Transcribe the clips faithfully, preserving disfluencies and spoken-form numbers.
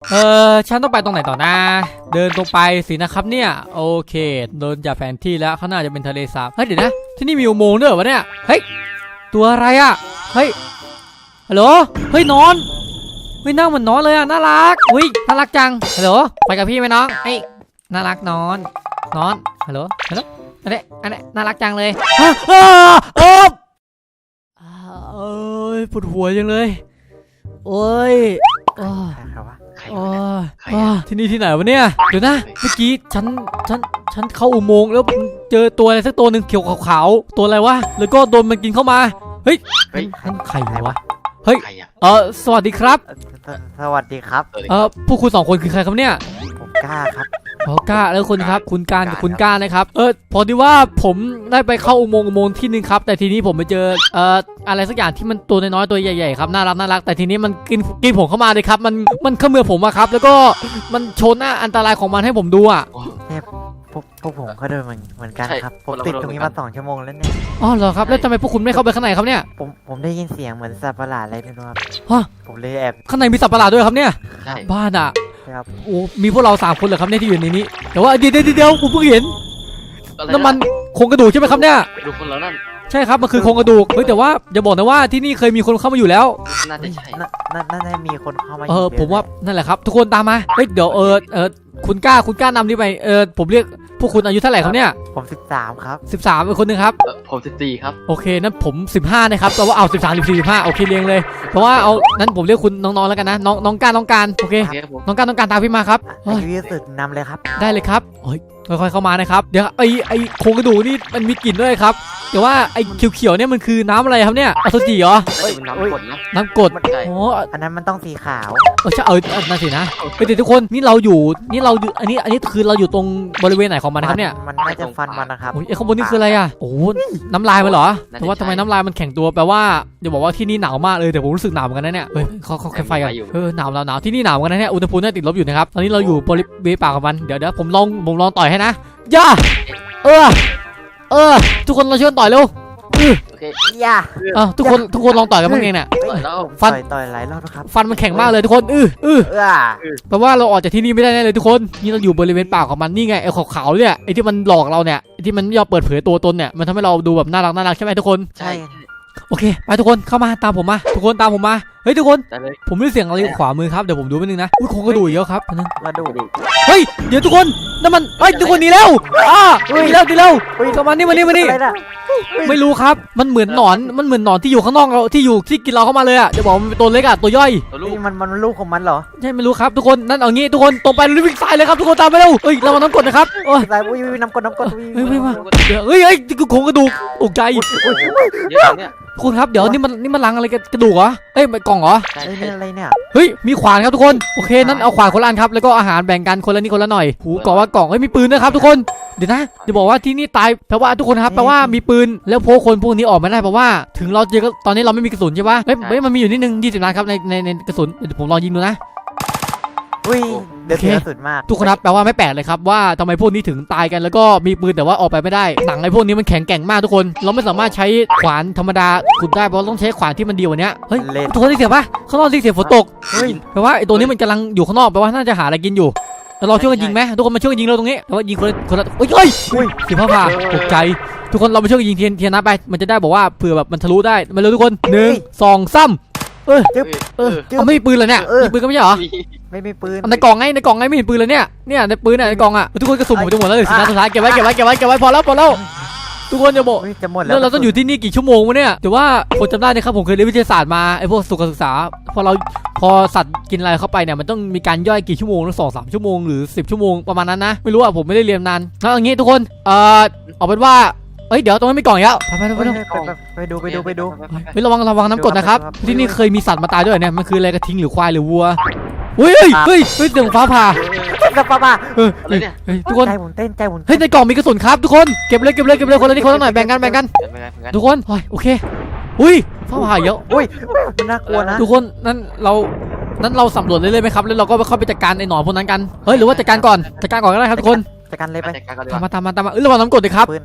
เออฉันต้องไปตรงไหนต่อนะเดินตรงไปสินะครับเนี่ยโอเคเดินจากแผนที่แล้วข้างหน้าจะเป็นทะเลสาบเฮ้ยเดี๋ยวนะที่นี่มีอุโมงค์ด้วยวะเนี่ยเฮ้ยตัวอะไรอ่ะเฮ้ยฮัลโหลเฮ้ยนอนเฮ้ยนั่งเหมือนนอนเลยอ่ะน่ารักอุ้ยน่ารักจังฮัลโหลไปกับพี่ไหมน้องเฮ้ยน่ารักนอนนอนฮัลโหลฮัลโหลอันนี้อันนี้น่ารักจังเลยอ้าอ้าเอ้ยปวดหัวจังเลยโอ้ยโอ้ยโอ้ยที่นี่ที่ไหนวะเนี่ยเดี๋ยวนะเมื่อกี้ฉันฉันฉันเข้าอุโมงค์แล้วเจอตัวอะไรสักตัวหนึ่งเขียวขาวๆตัวอะไรวะแล้วก็โดนมันกินเข้ามาเฮ้ยนั่นใครวะเฮ้ยเออสวัสดีครับสวัสดีครับเออพวกคุณสองคนคือใครครับเนี่ยผมกล้าครับอ๋อกล้าแล้วคนครับคุณการกับคุณกล้านะครับเออพอดีว่าผมได้ไปเข้าอุโมงค์อุโมงค์ที่หนึ่งครับแต่ทีนี้ผมไปเจอเอ่ออะไรสักอย่างที่มันตัวน้อยๆตัวใหญ่ๆครับน่ารักน่ารักแต่ทีนี้มันกินกินผมเข้ามาเลยครับมันมันเขมือบผมอะครับแล้วก็มันโชว์หน้าอันตรายของมันให้ผมดูอะเนี่ยพวกพวกผมก็โดนเหมือนกันครับผมติดตรงนี้มาสองชั่วโมงแล้วเนี่ยอ๋อเหรอครับแล้วทำไมพวกคุณไม่เข้าไปข้างในครับเนี่ยผมผมได้ยินเสียงเหมือนสัตว์ประหลาดอะไรไม่รู้ครับฮะผมเลยแอบข้างในมีสัตว์ประหลาดด้วยครับเนี่ยบ้านอะโอ้มีพวกเราสามคนเหรอครับเนี่ยที่อยู่ในนี้แต่ว่าเดี๋ยวเดี๋ยวเดี๋ยวผมเพิ่งเห็นน้ำมันโครงกระดูกใช่ไหมครับเนี่ยดูคนแล้วนั่นใช่ครับมันคือโครงกระดูกเฮ้ยแต่ว่าอย่าบอกนะว่าที่นี่เคยมีคนเข้ามาอยู่แล้วน่าจะใช่น่าจะมีคนเข้ามาเออผมว่านั่นแหละครับทุกคนตามมาเฮ้ยเดี๋ยวเออเออคุณกล้าคุณกล้านำนี่ไปเออผมเรียกพวกคุณอายุเท่าไหร่ครับเนี่ยผมสิบสามครับสิบสามเป็นคนหนึ่งครับผมสิบสี่ครับโอเคนั้นผมสิบห้านะครับแต่ว่าเอาสิบสามสิบสี่สิบห้าโอเคเรียงเลยเพราะว่าเอานั้นผมเรียกคุณน้องๆแล้วกันนะน้องน้องการน้องการโอเคน้องการน้องการตามพี่มาครับอายุยืดสุดนำเลยครับได้เลยครับเฮ้ยค่อยๆเข้ามานะครับเดี๋ยวไอไอโครงกระดูกนี่มันมีกลิ่นด้วยครับแต่ว่าไอเขียวๆเนี่ยมันคือน้ำอะไรครับเนี่ยอสุจิเหรอน้ำกดนะน้ำกดโอ้อันนั้นมันต้องสีขาวเออใช่เออนั่นสินะเฮ้ยเดี๋ยวทุกคนนี่เราอยู่นี่เราอยู่อันนี้อันนี้คือเราอยู่ตรงบริเวณไหนของมันนะครับเนี่ยมันไม่จะฟันมันนะครับโอ้ยไอข้างบนนี่คืออะไรอ่ะโอ้น้ำลายมันเหรอแต่ว่าทำไมน้ำลายมันแข็งตัวแปลว่าจะบอกว่าที่นี่หนาวมากเลยแต่ผมรู้สึกหนาวเหมือนกันนะเนี่ยเฮ้ยเขาเขาแค่ไฟกันเออหนาวหนาวหนาวที่นี่หนาวเหมือนกันนะเนี่ยอุณหภูมิเนี่ยติดลบอยู่นะครับตอนนี้เราอยู่บริเวณปากของมันเดี๋ยวเดี๋ยวผมลองผมลองต่อยให้นะย่าเออเออทุกคนเราช่วยต่อยเร็วโอเคย่าอ่ะทุกคนทุกคนลองต่อยกันบ้างเองเนี่ยฟันต่อยหลายรอบนะครับฟันมันแข็งมากเลยทุกคนอืออือแปลว่าเราออกจากที่นี่ไม่ได้แน่เลยทุกคนนี่เราอยู่บริเวณปากของมันนี่ไงไอ้ขาวๆเนี่ยไอ้ที่มันหลอกเราเนี่ยไอ้ที่มันยอมเปิดเผยตัวตนเนี่ยมันทำให้เราดูแบบน่ารักน่ารักใช่ไหมทุกคนใช่โอเคไปทุกคนเข้ามาตามผมมาทุกคนตามผมมาเฮ้ยทุกคนผมได้เสียงอะไรขวามือครับเดี๋ยวผมดูไปนึงนะอุ้ยโครงกระดูกเยอะครับนั่นกระดูกเฮ้ยเดี๋ยวทุกคนนั่นมันเฮ้ยทุกคนหนีแล้วอ่าหนีแล้วหนีแล้วเข้ามานี่มานี่มานี่ไม่รู้ครับมันเหมือนหนอนมันเหมือนหนอนที่อยู่ข้างนอกเราที่อยู่ที่กินเราเข้ามาเลยอ่ะจะบอกมันเป็นตัวเล็กอ่ะตัวย่อยมันมันลูกของมันเหรอใช่ไม่รู้ครับทุกคนนั่นเอางี้ทุกคนตรงไปวิ่งสายเลยครับทุกคนตามไปเร็วเฮ้ยเรามาน้ำกดนะครับโอ้ยสายวิ่งน้ำกดน้ำกดเฮ้ยไม่มาเฮ้ยเฮ้ยโครงกระดูกตกใจคุณครับเดี๋ยวนี่มันนี่มันลังอะไรกระดูกเหรอเอ้ยกล่องเหรออะไรเนี่ยเฮ้ยมีขวานครับทุกคนโอเคนั้นเอาขวานคนละอันครับแล้วก็อาหารแบ่งกันคนละนิดคนละหน่อยหูกล่องว่ากล่องเฮ้ยมีปืนนะครับทุกคนเดี๋ยวนะจะบอกว่าที่นี่ตายแปลว่าทุกคนครับแปลว่ามีปืนแล้วพวกคนพวกนี้ออกมาได้แปลว่าถึงเราเจอตอนนี้เราไม่มีกระสุนใช่ปะเฮ้ยเฮ้ยมันมีอยู่นิดนึงยี่สิบนัดครับในในในกระสุนเดี๋ยวผมลองยิงดูนะอุ้ยเดือดสุดมากทุกคนครับแปลว่าไม่แปลกเลยครับว่าทำไมพวกนี้ถึงตายกันแล้วก็มีปืนแต่ว่าออกไปไม่ได้หนังไอ้พวกนี้มันแข็งแกร่งมากทุกคนเราไม่สามารถใช้ขวานธรรมดาขุดได้เพราะต้องใช้ขวานที่มันดีกว่านี้เฮ้ยทุกคนได้เสียปะข้างนอกได้เสียฝนตกแปลว่าไอ้ตัวนี้มันกำลังอยู่ข้างนอกแปลว่าน่าจะหาอะไรกินอยู่เราช่วยกันยิงไหมทุกคนมาช่วยกันยิงเราตรงนี้แต่ว่ายิงคนละคนละโอ้ยเฮ้ยสิบห้าผ่าตกใจทุกคนเรามาช่วยกันยิงเทียนเทียนนับไปมันจะได้บอกว่าเผื่อแบบมันทะลุได้มาเร็วทุกคนหนึ่งสองสามเออเออเขาไม่มีปืนเลยเนี่ยมีปืนก็ไม่ใช่เหรอไม่มีปืนในกล่องไงในกล่องไงไม่เห็นปืนเลยเนี่ยเนี่ยในปืนในกล่องอ่ะทุกคนกระสุนหมดจะหมดแล้วเลยสินะสุดท้ายเก็บไว้เก็บไว้เก็บไว้เก็บไว้พอแล้วพอแล้วทุกคนจะบอกจะหมดแล้วเราต้องอยู่ที่นี่กี่ชั่วโมงวะเนี่ยแต่ว่าผมจำได้นะครับผมเคยเรียนวิทยาศาสตร์มาไอ้พวกสุขศึกษาพอเราพอสัตว์กินอะไรเข้าไปเนี่ยมันต้องมีการย่อยกี่ชั่วโมงสองสามชั่วโมงหรือสิบชั่วโมงประมาณนั้นนะไม่รู้อ่ะผมไม่ได้เรียนนานแล้วอย่างงี้ทุกคนเอ่อเอาเป็นว่าเอ้ยเดี๋ยวตรงนั้นมีกล่องอีกแล้วไปไปไปไปดูไปดูไปดูไประวังระวังน้ำกรดนะครับที่นี่เคยมีสัตว์มาตายด้วยเนี่ยมันคืออะไรกระทิงหรือควายหรือวัวเฮ้ยเฮ้ยเฮ้ยเสียงฟ้าผ่าฟ้าผ่าเฮ้ยทุกคนใจหมุนเต้นใจหมุนเฮ้ยในกล่องมีกระสุนครับทุกคนเก็บเลยเก็บเลยเก็บเลยคนละนิดคนละหน่อยแบ่งกันแบ่งกันทุกคนโอเคอุ้ยฟ้าผ่าเยอะอุ้ยมันน่ากลัวนะทุกคนนั้นเรานั้นเราสำรวจเลยเลยไหมครับแล้วเราก็ไปเข้าไปจัดการไอ้หนอนพวกนั้นกันเฮ้ยหรือว่าจัดการก่อนจัดการก่อนก็ได้ครับทุกคนจัดการเลยไปตามมาตามมาตามมาเออระวังน้ำกรดเลยครับ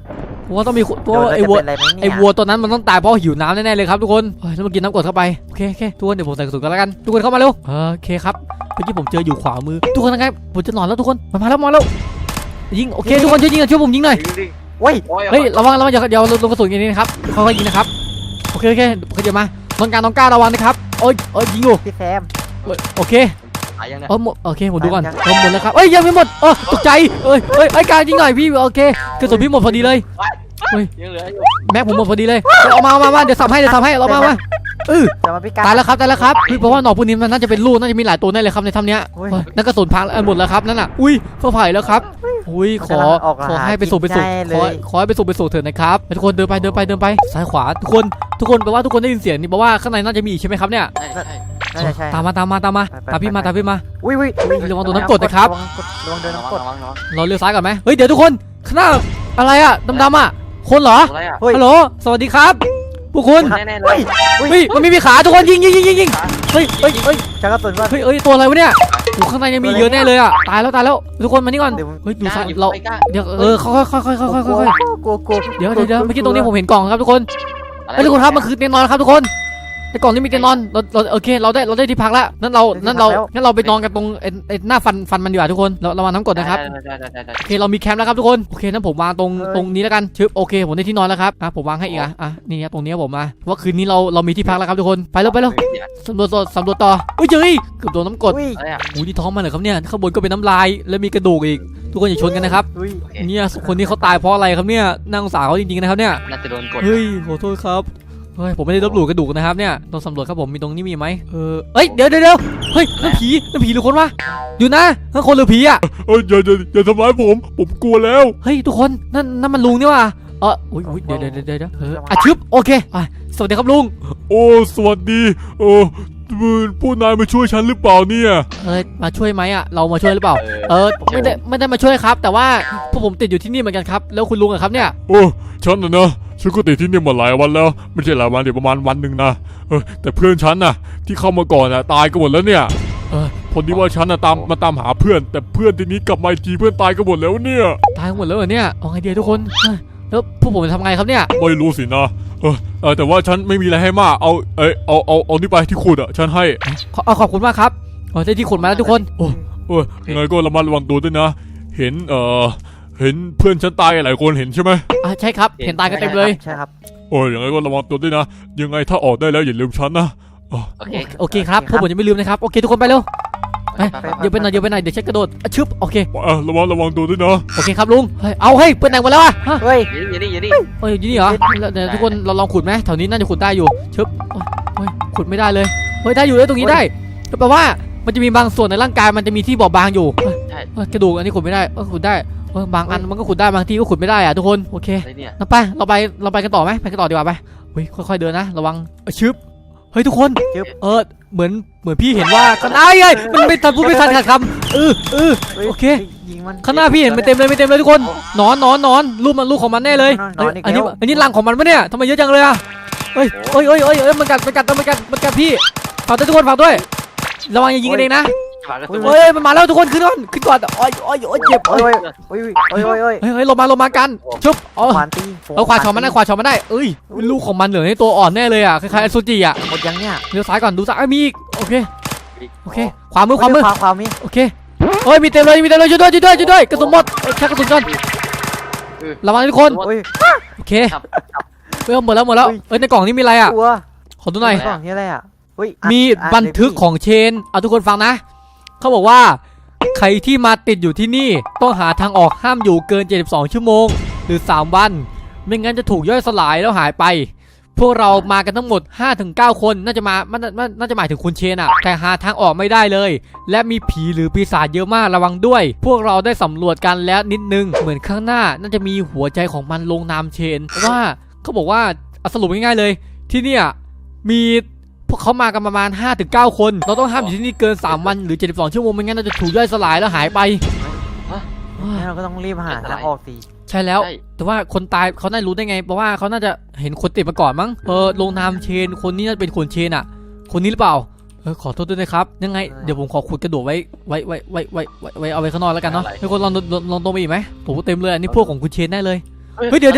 เพราะว่าต้องมีเพราะโดนว่าแล้วไอ้จะวัวเป็นอะไรไหมเนี่ยไอ้วัวตัวนั้นมันต้องตายเพราะหิวน้ำแน่ๆเลยครับทุกคนเฮ้ยแล้วมากินน้ำกรดเข้าไปโอเคโอเคทุกคนเดี๋ยวผมใส่กระสุนกันแล้วกันทุกคนเข้ามาเร็วโอเคครับเมื่อกี้ผมเจออยู่ขวามือทุกคนนะครับผมจะนอนแล้วทุกคนมามาแล้วมาแล้วยิงโอเคทุกคนช่วยยิงหน่อยช่วยผมยิงหน่อยเว้ยเฮ้ยระวังระวังอย่าอย่าลงกระสุนอย่างนี้นะครับค่อยๆยิงนะครับโอเคโอเคเขาจะมาน้องการน้องก้าระวังนะครับโอ้ยโอ้ยยิงอยู่พี่แซมโอเคหายยังเนี่ยเออหมดโอเคผมดูก่อนยังเออหมดแล้วครับเอ้ยยังไม่หมดเออตกใจเอ้ยเอ้ยไอ้การยิงหน่อยพี่โอเคกระสุนพี่หมดพอดีเลยยังเหลืออยู่แม็กผมหมดพอดีเลยเอามาเอามามาเดี๋ยวสับให้เดี๋ยวสับให้เรามามาเออจะมาพี่การตายแล้วครับตายแล้วครับพี่เพราะว่าหนอนพวกนี้มันน่าจะเป็นลูกน่าจะมีหลายตัวแน่เลยครับในถ้ำเนี้ยโอ้ยเฮ้ยนั่นกระสุนพังแล้วหมดแล้วครับนั่นน่ะอุ้ยเฟื่อไผ่แล้วครับอุ้ยขอออกขอหาให้ไปสู่ไปสู่กินได้เลขอย ขอให้ไปสู่ไปสู่เถิดนะครับทุกคนเดินไปเดินไปเดินไปซ้ายขวาทุกคนทุกคนแปลว่าทุกคนได้ยินเสียงนี่แปลว่าข้างในน่าจะมีอีกใช่ไหมครับเนี่ยใช่ใช่น่าจะใช่ตามมาตามมาตามมาไปไปตามพี่มาไปตามพี่มาอุ้ยอุ้ยระวังโดนน้ำกรดนะครับระวังโดนระน้ำกวัรง ดระวังระวังเราเลี้ยวซ้ายก่อนไหมเฮ้ยเดี๋ยวทุกคนข้างหน้าอะไรอะดำๆอะคนเหรออะไรอ่ะเฮ้ยฮัลโหลสวัสดีครับพวกคุณแน่ๆเลเฮ้ยยเฮ้ยมันไม่มีขาทุกคนยิงยิงยิงยิงยิงเฮ้ยเฮ้ยเฮ้ยชักกระสุนก่อนเฮ้ยเฮ้ยตัวอะไรวะเนี่ยโอ้ข้างในยังมีเยอะแน่เลยอะตายแล้วตายแล้วทุกคนมานี่ก่อนเดี๋ยวเฮ้ยดูซ้ายกล้เราไม่กล้าเดี๋ยวเออค่อยค่อยค่อยค่อยค่อยค่อยค่อยกลัวกลัวเดี๋ยวเดี๋ยวเดี๋ยวเมื่อกี้ตรงนี้ผมเห็นกล่องครับทุกคนอะไรเฮ้ยทุกคนครับมันคือเตียงนอนครับทุกคนในกล่องนี้มีเตียงนอนเราเราโอเคเราได้เราได้ที่พักแล้วนั่นเรานั่นเรางั้นเราไปนอนกันตรงไอ้ไอ้หน้าฟันฟันมันดีกว่าทุกคนเราระวังน้ำกรดนะครับได้ได้ได้ได้โอเคเรามีแคมป์แล้วครับทุกคนโอเคนั้นผมวางตรงตรงนี้แล้วกันชึบโอเคผมได้ที่นอนแล้วครับอ่ะผมวางให้อีกอ่ะอ่ะนี่ครับตรงนี้ผมมาเพราะว่าคืนนี้เราเรามีที่พักแล้วครับทุกคนไปแล้วไปแล้วสำรวจต่อสำรวจต่อเฮ้ยเจอเกือบโดนน้ำกรดอุ้ยอะไรอ่ะโอ้ยนี่ท้องมันเหรอครับเนี่ยข้างบนก็เป็นน้ำลายแล้วมีกระดูกอีกทุกคนอย่าชนกันนะครับอุ้ยเนี่ยคนนี้เขาตายเพราะอะไรครับเนี่ยน่าสงสารเขาจริงๆนะครับเนี่ยน่าจะโดนกดเฮ้ยขอโทษครับเฮ้ยผมไม่ได้ลบหลู่กระดูกนะครับเนี่ยต้องสำรวจครับผมมีตรงนี้มีไหมเออเอ้ยเดี๋ยวเดี๋ยวเดี๋ยวเฮ้ยนั่นผีนั่นผีหรือคนวะอยู่นะนั่นคนหรือผีอ่ะเอ้ยอย่าอย่าอย่าทำร้ายผม ผมกลัวแล้วเฮ้ยทุกคนนั่นนั่นมันลุงนี่ว่ะเอออุ้ยอุ้ยเดี๋ยวเดี๋ยวเดี๋ยวเดี๋ยวเอออ่ะชึบโอเคอ่ะสวัสดีครับลุงโอ้ สวัสดีโอ้ผู้นายมาช่วยฉันหรือเปล่าเนี่ยเออมาช่วยไหมอ่ะเรามาช่วยหรือเปล่าเออไม่ได้ไม่ได้มาช่วยครับ แต่ว่าพวกผมติดอยู่ที่นี่เหมือนกันครับแล้วคุณลุงอะครับเนี่ยโอ้ฉันนะเนอะฉันก็ติดที่นี่มาหลายวันแล้ว ไม่ใช่หลายวันเดี๋ยวประมาณวันหนึ่งนะเออแต่เพื่อนฉันน่ะ ที่เข้ามาก่อนน่ะตายกันหมดแล้วเนี่ยเออพอดีว่าฉันน่ะตามมาตามหาเพื่อน แต่เพื่อนทีนี้กลับมาอีกทีเพื่อนตายกันหมดแล้วเนี่ยตายหมดแล้วเหรอเนี่ยเอาไงดีทุกคนเฮ้ยแล้วพวกผมจะทำไงครับเนี่ยไม่รู้สินะเออเออแต่ว่าฉันไม่มีอะไรให้มากเอาเอยเอาเอาเอานี่ไปที่ขุดอ่ะฉันให้ขอเอาขอบคุณมากครับเออได้ที่ขุดมาแล้วทุกคนโอ้เออยังไงก็ระมัดระวังตัวด้วยนะ เห็นเออเห็นเพื่อนฉันตายหลายคนเห็นใช่ไหมอ่ะใช่ครับเห็นตายกันเต็มเลยใช่ครับโอ้ยยังไงก็ระวังตัวด้วยนะ ยังไงถ้าออกได้แล้วอย่าลืมฉันนะโอเคโอเคครับพวกผมจะไม่ลืมนะครับโอเคทุกคนไปเร็วไปไปไปเดี๋ยวไปหน่อยเดี๋ยวไปหน่อยเดี๋ยวเช็คกระโดดอ่ะชึบโอเคเออระวังระวังตัวด้วยนะโอเคครับลุงเฮ้ยเอาเฮ้ยเปิดไหนหมดแล้วอ่ะฮะเฮ้ยอย่าดิอย่าดิเอ้ยอยู่นี่เหรอแล้วเดี๋ยวทุกคนเราลองขุดไหมแถวนี้น่าจะขุดได้อยู่ชึบโอ้ยโอ้ยขุดไม่ได้เลยเฮ้ยได้อยู่เลยตรงนี้ได้ก็แปลว่ามันจะมีบางส่วนในร่างกายมันจะมีที่บอบบางอยู่เฮ้ยใช่เฮ้ยกระดูกอันนี้ขุดไม่ได้เออขุดได้เออบางอันมันก็ขุดได้บางที่ก็ขุดไม่ได้อะทุกคนโอเคอะไรเนี่ยเราไปเราไปเราไปกันต่อไหมไปกันต่อดีกว่าไปเฮ้ยค่อยๆเดินนะระวังเอ้ยชึบเฮ้ยทุกคนเออเหมือนเหมือนพี่เห็นว่าข้างหน้าไงมันไม่ทันพูดไม่ทันขาดคำเออเออ โอเคยิงมันข้างหน้าพี่เห็นมันเต็มเลยไม่เต็มเลยทุกคนหนอนหนอนหนอนรูปมันรูปของมันแน่เลยหนอนหนอนอีกอันนี้แล้วอันนี้รังของมันปะเนี่ยทำไมเยอะจังเลยอะเฮ้ยเฮ้ยเฮ้ยเฮ้ยเฮ้ยมันกัดมันกัดมันกัดมันกัดพี่ฝากด้วยทุกคนฝากด้วยระวังอย่ายิงกันเองนะฝากกระสุนเฮ้ยมันมาแล้วทุกคนขึ้นก่อนขึ้นก่อนโอ้ยโอ้ยโอ้ยเจ็บโอ้โอ้ยยโอ้ยโอ้ยโอ้ยโอ้ยเฮ้ยเฮ้ยลงมาลงมากันชุบเอาขวานตีเอาขวาชอนมันได้ขวาชอนมันได้เอ้ยลูกของมันเหลือในตัวอ่อนแน่เลยอ่ะคล้ายๆอสุจิอ่ะหมดยังเนี่ยเลี้ยวซ้ายก่อนดูซ้ายเอ้ยมีอีกโอเคโอเคขวามือขวามือขวาขวามีโอเคเฮ้ยมีเต็มเลยมีเต็มเลยช่วยด้วยช่วยด้วยช่วยด้วยกระสุนหมดเอ้ยชักกระสุนก่อนระวังนะทุกคนโอ้ยโอเคครับเฮ้ยหมดแล้วหมดแล้วเอ้ยในกล่องนี้มีอะไรอ่ะกลัวขอดูหน่อยกล่องนี้อะไรอ่ะเฮ้ยมีบันทึกของเชนเอาทุกคนฟังนะเขาบอกว่าใครที่มาติดอยู่ที่นี่ต้องหาทางออกห้ามอยู่เกินเจ็ดสิบสองชั่วโมงหรือสามวันไม่งั้นจะถูกย่อยสลายแล้วหายไปพวกเรามากันทั้งหมด ห้าถึงเก้า คนน่าจะมามันมันน่าจะหมายถึงคุณเชนอะแต่หาทางออกไม่ได้เลยและมีผีหรือปีศาจเยอะมากระวังด้วย พวกเราได้สำรวจกันแล้วนิดนึงเหมือนข้างหน้าน่าจะมีหัวใจของมันลงนามเชนว่าเขาบอกว่าเอาสรุปง่ายๆเลยที่เนี่ยมีพวกเขามากันประมาณ ห้าถึงเก้า คนเราต้องห้ามอยู่ที่นี่เกินสามวันหรือเจ็ดสิบสองชั่วโมงไม่งั้นเราจะถูกย่อยสลายแล้วหายไปงั้นเราก็ต้องรีบหาทางออกสิใช่แล้ว แต่ว่าคนตายเขาน่ารู้ได้ไงเพราะว่าเขาน่าจะเห็นคนติดมาก่อนมั้งเออลงนามเชนคนนี้น่าจะเป็นคนเชนอ่ะคนนี้หรือเปล่าเออขอโทษด้วยนะครับยังไงเดี๋ยวผมขอขุดกระดูกไว้ไว้ไว้ไว้ไว้ไว้ไว้เอาไว้ข้างนอกแล้วกันเนาะให้คนลองลองลองตรงไปอีกไหมโอ้โหเต็มเลยอันนี้พวกของคุณเชนแน่เลยเฮ้ยเดี๋ยวเดี๋ยว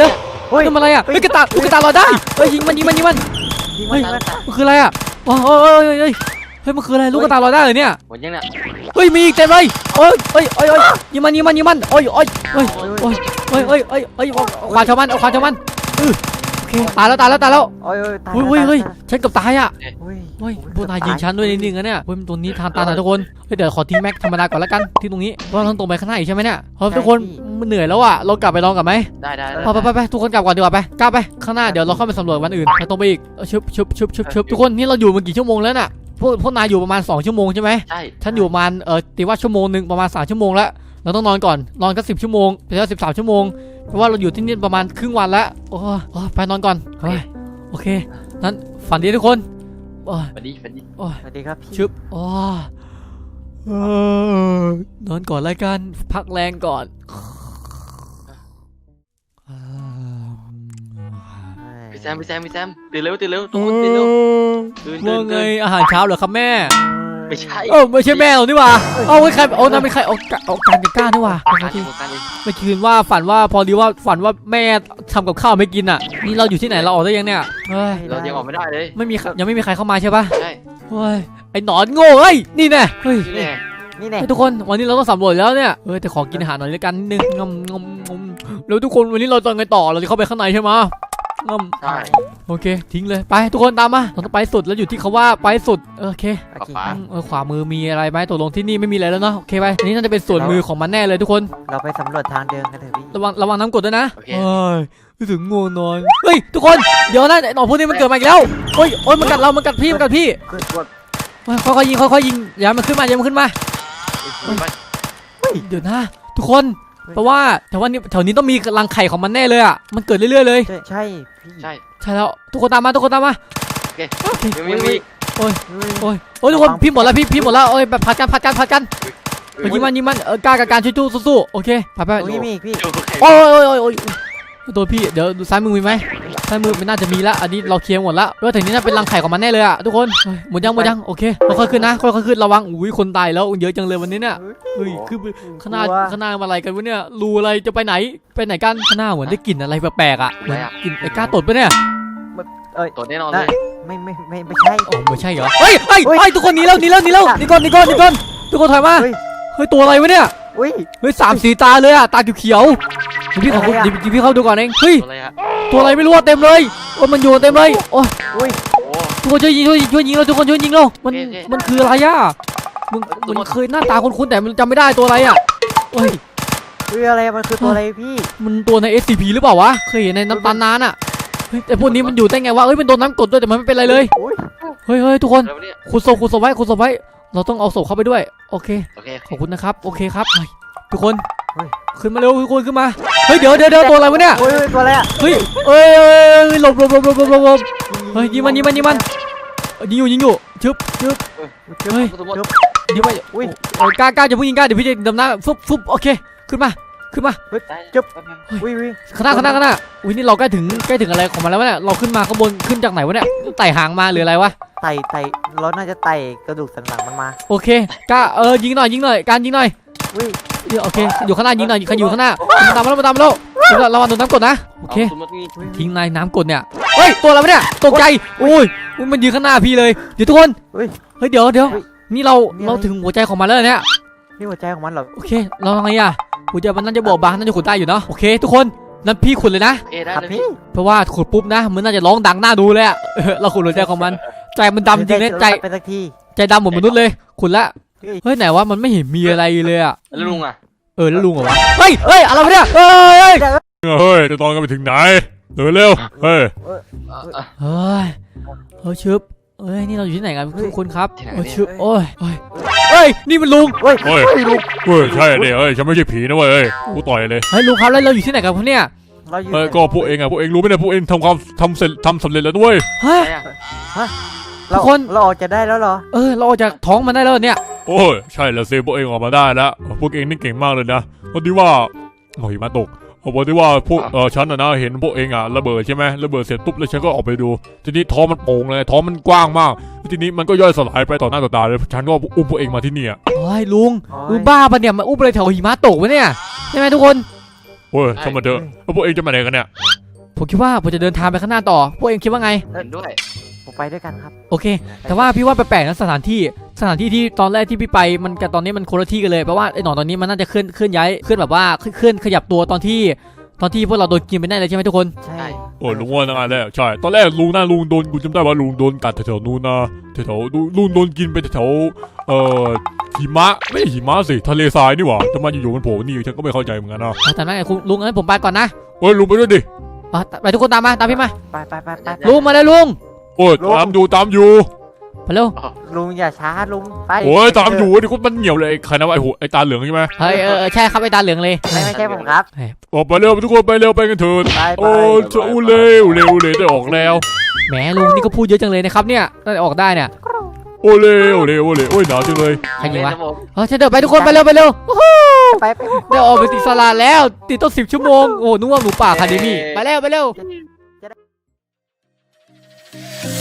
เฮ้ยทำอะไรอ่ะเฮ้ยกระตายกระตายลอยได้เฮ้ยยิงมันยิงมันยิงมันยิงเฮ้มันยยิงมันมันคืออะไรอ่ะโอ้ยเฮ้ยเฮ้ยเฮ้ยเฮ้ยมันคืออะไรลูกกระตายลอยได้เลยเนี่ยหมดยังเนี่ยเฮ้ยมีอีกเต็มเลยโอ้ยเฮ้ยเฮ้ยเฮ้ยยิงมันยิงมันยิงมันโอ้ยโอ้ยเฮ้ยโอ้ยเฮ้ยเฮ้ยเฮ้ยเฮ้ยเอาขวานชาวมันเอาขวานชาวมันเออโอเคตายแล้วตายแล้วตายแล้วโอ้ยโอ้ยตายเฮ้ยเฮ้ยเฮ้ยฉันเกือบตายอ่ะเฮ้ยเฮ้ยพวกนายยิงฉันด้วยนิดนึงนะเนี่ยเฮ้ยตัวนี้ทานตาหน่อยทุกคนเฮ้ยเดี๋ยวขอทิ้งแม็กธรรมดาก่อนแล้วกันที่ตรงนี้เพราะเราต้องตรงไปข้างหน้าอีกใช่ไหมเนี่ยเฮ้ยทุกคนมันเหนื่อยแล้วอ่ะเรากลับไปลองกันไหมได้ได้ไปไปไปไปทุกคนกลับก่อนดีกว่าไปกลับไปข้างหน้าเดี๋ยวเราเข้าไปสำรวจวันอื่นไปตรงไปอีกเออชึบชึบชึบชึบชึบทุกคนนี่เราอยู่มากี่ชั่วโมงแล้วน่ะพวกพวกนายอยู่ประมาณสองชั่วโมงใช่ไหมใช่ฉันอยู่ประมาณเออตีว่าชั่วโมงหนึ่งประมาณสามชั่วโมงแล้วเราต้องนอนก่อนนอนก็สิบชั่วโมงไปแล้วสิบสามชั่วโมงเพราะว่าเราอยู่ที่นี่ประมาณครึ่งวันแล้วโอ้โอ้ไปนอนก่อนเฮ้ยโอเคนั้นฝันดีทุกคนโอ้ยฝันดีฝันดีโอ้ยสวัสดีครับพี่ชึบโอ้ยเออนอนก่อนแล้วกันพักแรงก่อนพี่แซมพี่แซมพี่แซมตื่นเร็วตื่นเร็วทุกคนตื่นเร็วตื่นตื่ว่าน ไงตื่นอาหารเช้าเหรอครับแม่ไม่ใช่เออไม่ใช่แม่หรอนี่หว่าเอาไว้ใครเอานั่นเป็นใครเอาเอาการกับก้านี่หว่าการที่การที่เมื่อคืนว่าฝันว่าพอดีว่าฝันว่าแม่ทำกับข้าวไม่กินอ่ะนี่เราอยู่ที่ไหนเราออกได้ยังเนี่ยเฮ้ยเรายังออกไม่ได้เลยไม่มีใครยังไม่มีใครเข้ามาใช่ปะใช่เฮ้ยไอ้หนอนโง่เฮ้ยนี่แน่เฮ้ยนี่แน่นี่แน่เฮ้ยทุกคนวันนี้เราต้องสำรวจแล้วเนี่ยเออแต่ขอกินอาหารหน่อยละกันนิดนึงงมงมงมแล้วทุกคนวันนี้เราจะไงต่อเราจะเข้าไปข้างในใช่ไหมงมใช่โอเคทิ้งเลยไปทุกคนตามมาเราต้องไปสุดแล้วอยู่ที่เขาว่าไปสุดเออโอเคโอเคอืมเออขวามือมีอะไรไหมตกลงที่นี่ไม่มีอะไรแล้วเนาะโอเคไปอันนี้น่าจะเป็นส่วนมือของมันแน่เลยทุกคนเราไปสำรวจทางเดินกันเถอะพี่ระวังระวังน้ำกรดด้วยนะโอเคเฮ้ยรู้สึกง่วงนอนเฮ้ยทุกคนเดี๋ยวนะไอ้หนอนพวกนี้มันเกิดมาอีกแล้วเฮ้ยโอ้ยมันกัดเรามันกัดพี่มันกัดพี่กดกดเฮ้ยค่อยๆยิงค่อยๆยิงอย่ามันขึ้นมาอย่ามันขึ้นมาไปเดี๋ยวนะทุกคนเพราะว่าแถวนี้แถวนี้ต้องมีรังไข่ของมันแน่เลยอ่ะมันเกิดเรื่อยๆเลยใช่ใช่พี่ใช่ใช่แล้วทุกคนตามมาทุกคนตามมาโอเคยังมียังมีโอ้ยเฮ้ยโอ้ยโอ้ยทุกคนพี่หมดแล้วพี่พี่หมดแล้วโอ้ยแบบผัดกันผัดกันผัดกันเฮ้ยยิงมันยิงมันเออกล้ากับการช่วยสู้สู้ๆโอเคไปไปโอ้ยมีอีกพี่โอ้ยโอ้ยโอ้ยโอ้ยโดนพี่เดี๋ยวดูซ้ายมือมีไหมซ้ายมือไม่น่าจะมีละอันนี้เราเคลียร์หมดละเพราะว่าถึงนี้น่าเป็นรังไข่ของมันแน่เลยอะทุกคนเฮ้ยหมดยังหมดยังโอเคค่อยๆขึ้นนะค่อยๆขึ้นระวังอุ้ยคนตายแล้วเยอะจังเลยวันนี้เนี่ยเฮ้ยคือข้างหน้าข้างหน้าอะไรกันวะเนี่ยรูอะไรจะไปไหนไปไหนกันข้างหน้าเหมือนได้กลิ่นอะไรแปลกๆอะเหมือนกลิ่นไอ้ก้าตดปะเนี่ยเอ้ยตัวแน่นอนเลยไม่ไม่ไม่ไม่ใช่โอ้ไม่ใช่เหรอเฮ้ยเฮ้ยเฮ้ยเฮ้ยทุกคนหนีแล้วหนีแล้วหนีแล้วหนีก่อนหนีก่อนหนีก่อนทุกคนถอยมาเฮ้ยเฮ้ยตัวอะไรวะเนี่ยอุ้ยเฮ้ยสามสีตาเลยอะตาเขียวๆเดี๋ยวพี่ขออะไรอะเดี๋ยวพี่เข้าดูก่อนเองเฮ้ยตัวอะไรฮะตัวอะไรไม่รู้อะเต็มเลยโอ้ยมันอยู่เต็มเลยโอ้ยอุ้ยโอ้ทุกคนช่วยยิงช่วยยิงช่วยยิงเราทุกคนช่วยยิงเรามันโอเคโอเคมันคืออะไรอ่ะมึงตัวมันเคยหน้าตาคุ้นๆแต่มันจำไม่ได้ตัวอะไรอ่ะเฮ้ยอุ้ยอะไรมันคือตัวอะไรพี่มันตัวใน เอส ซี พี หรือเปล่าวะเคยเห็นในน้ำตาลนานอ่ะเฮ้ยแต่พวกนี้มันอยู่ได้ไงวะเฮ้ยมันโดนน้ำกรดด้วยแต่มันไม่เป็นไรเลยอุ้ยเฮ้ยเฮ้ยทุกคนแล้วเนี่ยขุดศพขุดศพไว้ขุดศพไว้เราต้องเอาศพเข้าไปด้วยโอเคโอเคขอบคุณนะครับโอเคครับเฮ้ยทุกคนขึ้นมาเร็วทุกคนขึ้นมาเฮ้ยเดี๋ยวเดี๋ยวเดี๋ยวตัวอะไรวะเนี่ยอุ้ยอุ้ยตัวอะไรอ่ะเฮ้ยเอ้ยเอ้ยเอ้ยหลบหลบหลบหลบหลบหลบหลบเฮ้ยยิงมันยิงมันยิงมันเอ้ยยิงอยู่ยิงอยู่ชึบชึบเฮ้ยสมมติยิงไปอุ้ยเอ้ยกล้ากล้าจะพุ่งยิงกล้าเดี๋ยวพี่จะดำน้ำฟุบฟุบโอเคขึ้นมาขึ้นมาจุ๊บอุ้ยอุ้ยข้างหน้าข้างหน้าข้างหน้าอุ้ยนี่เราใกล้ถึงใกล้ถึงอะไรของมันแล้ววะเนี่ยเราขึ้นมาข้างบนขึ้นจากไหนวะเนี่ยไต่หางมาหรืออะไรวะไต่ไต่เราน่าจะไต่กระดูกสันหลังมันมาโอเคกล้าเออยิงหน่อยยิงหน่อยการยิงหน่อยอุ้ยเดี๋ยวโอเคอยู่ข้างหน้ายิงหน่อยใครอยู่ข้างหน้ามาตามมาแล้วมาตามมาแล้วเดี๋ยวระวังโดนน้ำกรดนะโอเคสมมติมีทิ้งนายน้ำกรดเนี่ยเฮ้ยตัวอะไรวะเนี่ยตกใจอุ้ยอุ๊ยมันยืนข้างหน้าพี่เลยเดี๋ยวทุกคนเฮ้ยเฮ้ยเดี๋ยวเดี๋ยวเฮ้ยนี่เรานี่อะไรเราถึงหัวใจของมันแล้วเนี่ยนี่หัวใจของมันเหรอโอเคเราทำไงอ่ะหัวใจมันน่าจะบอบบางน่าจะขุดได้อยู่เนาะโอเค ทุกคนนั่นพี่ขุดเลยนะโอเคได้ครับเลยพี่เพราะว่าขุดปุ๊บนะมันน่าจะร้องดังน่าดูเลยอะเออเราขุดหัวใจของมันใจมันดำจริงนะใจไปสักทีใจดำเหมือนมนุษย์เลยขุดละเฮ้ยเฮ้ยไหนวะมันไม่เห็นมีอะไรเลยอะแล้วลุงอ่ะเออแล้วลุงเหรอวะเฮ้ยเฮ้ยอะไรวะเนี่ยเฮ้ยเฮ้ยเฮ้ยจะตอนกันไปถึงไหนเดินเร็วเฮ้ยเฮ้ยเฮ้ยชึบเฮ้ยนี่เราอยู่ที่ไหนกันทุกคนครับเฮ้ยชึบโอ้ยเฮ้ยเฮ้ยนี่มันลุงเฮ้ยเฮ้ยเฮ้ยใช่เนี่ยเฮ้ยฉันไม่ใช่ผีนะเว้ยเฮ้ยกูต่อยเลยเฮ้ยลุงครับแล้วเราอยู่ที่ไหนกันครับเนี่ยเราอยู่เฮ้ยก็พวกเองอ่ะพวกเองรู้ไหมเนี่ยพวกเองทำความทำเสร็จทำสำเร็จแล้วด้วยเฮ้ยอะไรอ่ะเราทุกคนเราออกจะได้แล้วเหรอเออเราออกจากท้องมันได้แล้วเนี่ยโอ้ยใช่แล้วสิพวกเองออกมาได้แล้วพวกเองนี่เก่งมากเลยนะพอดีว่าโอ้ยมาตกพอดีว่าพวกเออฉันอะนะเห็นพวกเองอ่ะระเบิดใช่ไหมระเบิดเสร็จปุ๊บแล้วฉันก็ออกไปดูทีนี้ท้องมันโป่งเลยท้องมันกว้างมากทีนี้มันก็ย่อยสลายไปต่อหน้าต่อตาเลยฉันก็อุ้มพวกเองมาที่นี่อ่ะเฮ้ยลุงโอ้ยลุงบ้าปะเนี่ยมาอุ้มอะไรแถวหิมะตกวะเนี่ยใช่ไหมทุกคนโอ้ยทำไมเถอะแล้วพวกเองจะมาไหนกันเนี่ยผมคิดว่าผมจะเดินทางไปข้างหน้าต่อพวกเองคิดว่าไงเห็นด้วยผมไปด้วยกันครับโอเค แต่ว่าพี่ว่าแปลกๆนะสถานที่สถานที่ที่ตอนแรกที่พี่ไปมันกับตอนนี้มันคนละที่กันเลยเพราะว่าไอ้หนอนตอนนี้มันน่าจะเคลื่อนเคลื่อนย้ายเคลื่อนแบบว่าเคลื่อนขยับตัวตอนที่ตอนที่พวกเราโดนกินไปแน่เลยใช่ไหมทุกคนใช่โอ้ลุงว่าตั้งแต่แรกใช่ตอนแรกลุงน่าลุงโดนกูจำได้ว่าลุงโดนกัดแถวๆนู้นนะแถวๆลุงลุงโดนกินไปแถวๆเอ่อหิมะไม่ใช่หิมะสิทะเลทรายนี่หว่าแต่มันอยู่ๆมันโผล่นี่ฉันก็ไม่เข้าใจเหมือนกันนะแต่นั่นไงคุณลุงงั้นผมไปก่อนนะเฮ้ยลุงไปด้วยดิอ่ะไปทุกคนตามมาตามพี่มาไปไปไปไปลุงมาเลยลุงโอ้ยตามอยู่ตามอยู่ไปเร็วลุงอย่าช้าลุงไปโอ้ยตามอยู่ดิคุณมันเหนียวเลยไอ้ใครนะวะไอ้หัวไอ้ตาเหลืองใช่ไหมเฮ้ยเออเออใช่ครับไอ้ตาเหลืองเลยไม่ไม่ใช่ผมครับโอ้ไปเร็วทุกคนไปเร็วไปกันเถิดไปไปโอ้จะอู้เร็วเร็วเลยได้ออกแล้วแหมลุงนี่ก็พูดเยอะจังเลยนะครับเนี่ยได้ออกได้เนี่ยโอ้เร็วเร็วเร็วโอ้ยหนาวจังเลยใครยิงวะเล่นนะผมเออใช่เดี๋ยวไปทุกคนไปเร็วไปเร็วไปไปได้ออกไปติดสลาแล้วติดต้นสิบชั่วโมงโอ้นึกว่าหมูป่าคาเดมี่ไปเร็วไปเร็ว